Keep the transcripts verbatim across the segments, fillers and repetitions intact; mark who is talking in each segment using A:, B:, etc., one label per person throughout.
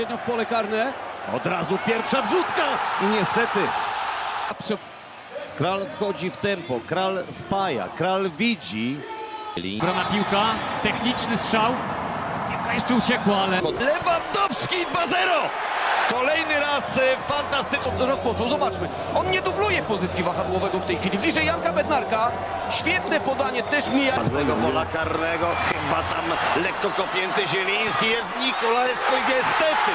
A: W pole karne.
B: Od razu pierwsza wrzutka i niestety Kral wchodzi w tempo, Kral spaja, Kral widzi.
C: Brana piłka, techniczny strzał. Piłka jeszcze uciekła, ale...
B: Lewandowski dwa zero! Kolejny raz fantastyczny.
A: Rozpoczął, zobaczmy. On nie dubluje pozycji wahadłowego w tej chwili. Bliżej Janka Bednarka. Świetne podanie, też mija.
B: Z tego pola karnego chyba tam lekko kopnięty Zieliński, jest Nikolaesko i niestety.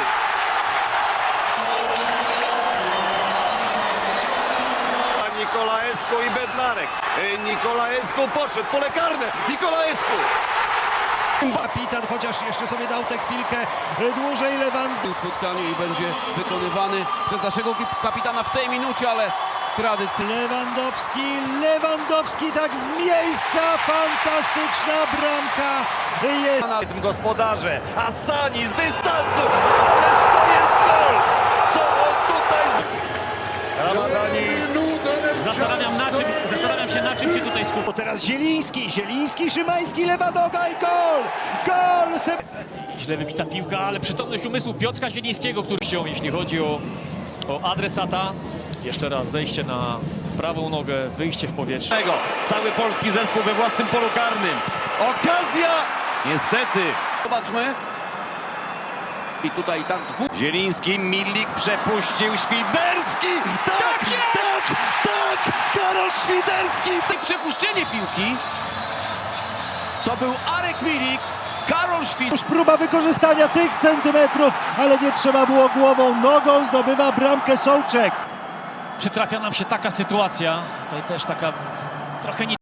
B: Nikolaesko i Bednarek. Nikolaesko poszedł, pole karne. Nikolaesko.
D: Kapitan chociaż jeszcze sobie dał tę chwilkę dłużej. Lewandowski.
A: W tym spotkaniu i będzie wykonywany przez naszego kapitana w tej minucie, ale tradycyjnie.
D: Lewandowski, Lewandowski tak z miejsca, fantastyczna bramka jest.
B: Na tym gospodarze, Asani z dystansu, ależ to jest gol! Co on tutaj z... Ramadani.
C: Zastanawiam, na czym, zastanawiam się, na czym się tutaj skupić.
D: Bo teraz Zieliński, Zieliński, Szymański, lewa noga i gol! Gol! Se...
C: Źle wybita piłka, ale przytomność umysłu Piotra Zielińskiego, który chciał, jeśli chodzi o, o adresata. Jeszcze raz zejście na prawą nogę, wyjście w powietrze.
B: Cały polski zespół we własnym polu karnym. Okazja! Niestety.
A: Zobaczmy. I tutaj tak dwóch.
B: Zieliński, Milik przepuścił, Świderski! Tak, tak, tak! Karol Świderski!
A: I przepuszczenie piłki. To był Arek Milik. Karol Świt.
D: Już próba wykorzystania tych centymetrów, ale nie trzeba było głową, nogą zdobywa bramkę Sołczek.
C: Przytrafia nam się taka sytuacja, tutaj też taka trochę nie